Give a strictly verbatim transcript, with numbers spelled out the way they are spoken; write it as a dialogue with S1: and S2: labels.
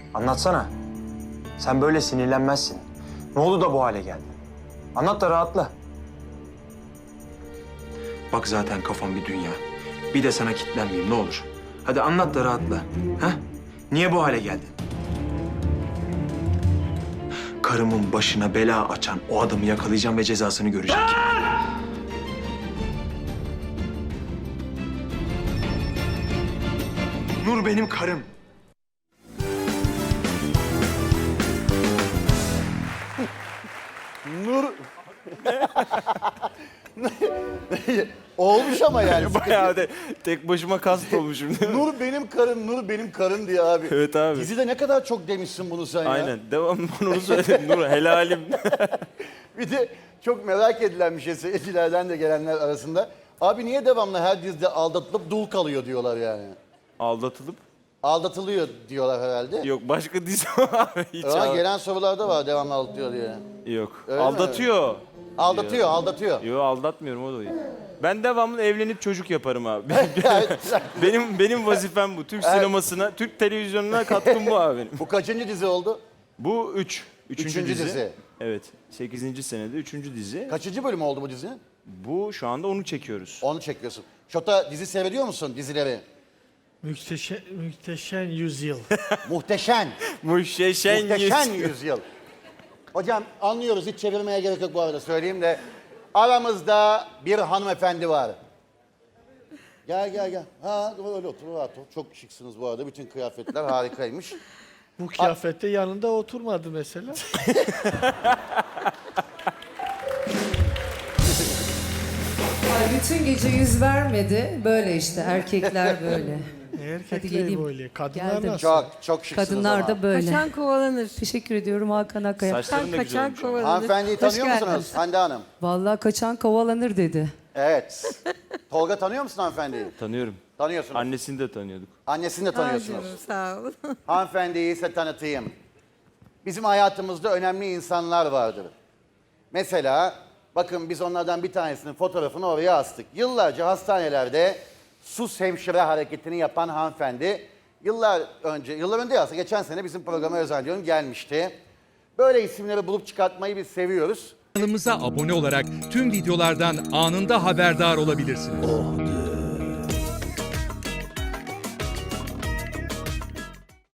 S1: Anlatsana. Sen böyle sinirlenmezsin. Ne oldu da bu hale geldin? Anlat da rahatla. Bak zaten kafam bir dünya. Bir de sana kitlenmeyeyim ne olur. Hadi anlat da rahatla. Ha? Niye bu hale geldin? Karımın başına bela açan o adamı yakalayacağım ve cezasını görecek. Nur benim karım.
S2: Nur... Olmuş ama yani.
S3: Bayağı de tek başıma kast olmuşum değil mi?
S2: Nur benim karım, Nur benim karım diye abi.
S3: Evet abi.
S2: Dizide ne kadar çok demişsin bunu sen ya.
S3: Aynen. Devamlı onu söyledim. Nur helalim.
S2: Bir de çok merak edilen bir şey seyircilerden de gelenler arasında. Abi niye devamlı her dizide aldatılıp dul kalıyor diyorlar yani.
S3: Aldatılıp?
S2: Aldatılıyor diyorlar herhalde.
S3: Yok başka dizi var abi. Hiç
S2: Ama
S3: al-
S2: gelen sorularda var devamlı aldatıyor diye.
S3: Yok.
S2: Öyle mi?
S3: Aldatıyor.
S2: Aldatıyor, aldatıyor.
S3: Yok aldatmıyorum o da değil. Ben devamlı evlenip çocuk yaparım abi. benim benim vazifem bu. Türk sinemasına, Türk televizyonuna katkım bu abi benim.
S2: Bu kaçıncı dizi oldu?
S3: Bu üç. Üçüncü,
S2: Üçüncü
S3: dizi.
S2: dizi.
S3: Evet. Sekizinci senede üçüncü dizi.
S2: Kaçıncı bölüm oldu bu dizinin?
S3: Bu şu anda onu çekiyoruz.
S2: Onu çekiyorsun. Şota dizi seyrediyor musun dizileri?
S4: Muhteşem, muhteşem yüzyıl.
S2: Muhteşem.
S3: Muhteşem
S2: Muhteşem
S3: yüz-
S2: yüzyıl. Hocam anlıyoruz hiç çevirmeye gerek yok bu arada söyleyeyim de. Aramızda bir hanımefendi var. Gel gel gel. Ha öyle otur rahat ol. Çok şıksınız bu arada. Bütün kıyafetler harikaymış.
S4: Bu kıyafette yanında oturmadı mesela.
S5: Ay bütün gece yüz vermedi. Böyle işte erkekler böyle.
S4: Erkekler
S5: geleyim.
S4: böyle. Kadınlar
S5: Geldim.
S4: nasıl?
S2: Çok çok şıksınız
S5: Kadınlar
S2: ama.
S5: da böyle.
S6: Kaçan kovalanır.
S5: Teşekkür ediyorum Hakan Akkaya.
S3: Saçların da güzel
S6: Kaçan
S3: olmuş. ama.
S6: kovalanır.
S2: Hanımefendiyi
S6: Hoş
S2: tanıyor
S6: geldiniz.
S2: musunuz Hande Hanım?
S5: Vallahi kaçan kovalanır dedi.
S2: Evet. Tolga tanıyor musun hanımefendiyi?
S3: Tanıyorum.
S2: Tanıyorsunuz.
S3: Annesini de tanıyorduk.
S2: Annesini de
S6: Aa,
S2: tanıyorsunuz.
S6: canım, sağ olun.
S2: Hanımefendiyi size tanıtayım. Bizim hayatımızda önemli insanlar vardır. Mesela bakın biz onlardan bir tanesinin fotoğrafını oraya astık. Yıllarca hastanelerde sus hemşire hareketini yapan hanımefendi yıllar önce, yıllar önce aslında geçen sene bizim programa özel diyorum gelmişti. Böyle isimleri bulup çıkartmayı biz seviyoruz.
S7: Kanalımıza abone olarak tüm videolardan anında haberdar olabilirsiniz.